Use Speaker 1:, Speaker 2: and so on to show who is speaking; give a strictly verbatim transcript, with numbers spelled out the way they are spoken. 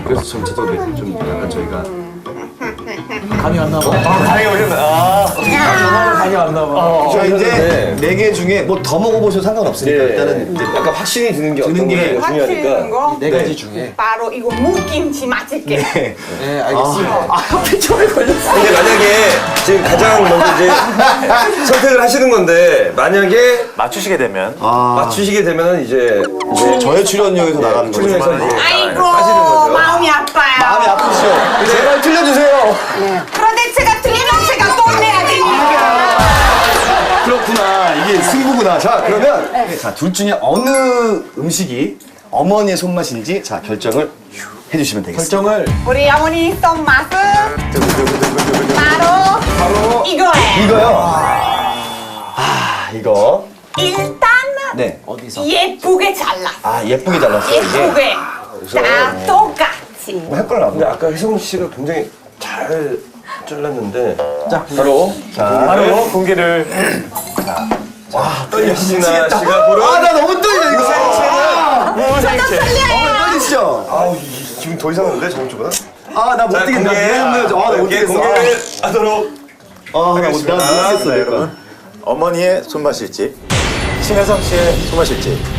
Speaker 1: 그래서 좀 저도 좀 약간 저희가
Speaker 2: 감이 안 나봐.
Speaker 3: 아, 감이 오셨나? 아,
Speaker 2: 감이 안 나봐.
Speaker 4: 자 이제 네 개 중에 뭐 더 먹어보셔도 상관없으니까
Speaker 3: 예.
Speaker 4: 일단은 이제
Speaker 3: 약간 확신이 드는 게
Speaker 4: 드는
Speaker 3: 어떤
Speaker 4: 게
Speaker 3: 게
Speaker 5: 확실한
Speaker 3: 중요하니까.
Speaker 5: 거
Speaker 2: 네 가지 중에.
Speaker 5: 바로 이거 무김치 맛있게.
Speaker 4: 네.
Speaker 2: 네, 알겠습니다.
Speaker 4: 아 하필 처음에 걸렸어.
Speaker 3: 근데 만약에 지금 가장 먼저 이제 선택을 하시는 건데 만약에
Speaker 6: 맞추시게 되면
Speaker 4: 아
Speaker 3: 맞추시게 되면은 이제 이제
Speaker 4: 저의 출연료에서 나가는 거죠.
Speaker 3: 출연해서 이제
Speaker 5: 아이고
Speaker 3: 빠지는 거죠.
Speaker 5: 마음이 아파요.
Speaker 4: 마음이 아프시죠? 제발 틀려주세요.
Speaker 5: 그런데 제가 틀리면 제가 돈 내야 되니까.
Speaker 4: 그렇구나. 이게 승부구나. 자 그러면 자 둘 중에 어느 음식이 어머니의 손맛인지 자 결정을 해주시면 되겠습니다.
Speaker 2: 결정을
Speaker 5: 우리 어머니 손맛은 바로
Speaker 4: 바로
Speaker 5: 이거예요.
Speaker 4: 이거요. 아 이거
Speaker 5: 일단
Speaker 4: 네.
Speaker 2: 어디서?
Speaker 5: 예쁘게 잘라.
Speaker 4: 아 예쁘게 잘랐어요 이게.
Speaker 5: 예쁘게. 다 똑같이.
Speaker 4: 뭐 헷갈려.
Speaker 3: 근데 아까 혜성 씨가 굉장히 잘 잘랐는데
Speaker 2: 자,
Speaker 3: 바로
Speaker 4: 자
Speaker 6: 바로 공개를
Speaker 4: 떨려.
Speaker 3: 신아 씨가 보러
Speaker 4: 아나 너무 떨려 이거. 아,
Speaker 6: 무생채
Speaker 4: 어머니 떨리시죠?
Speaker 3: 아우 이- 지금 더 이상한데 저번 주보다?
Speaker 4: 아나 못
Speaker 3: 자
Speaker 4: 뛰겠다.
Speaker 3: 공개
Speaker 4: 아나 못
Speaker 3: 공개
Speaker 4: 뛰겠어.
Speaker 3: 공개를 하도록
Speaker 4: 아나 못
Speaker 3: 하겠습니다.
Speaker 4: 뛰겠어.
Speaker 6: 네, 여러분 어머니의 손맛일지 신혜성 씨의 손맛일지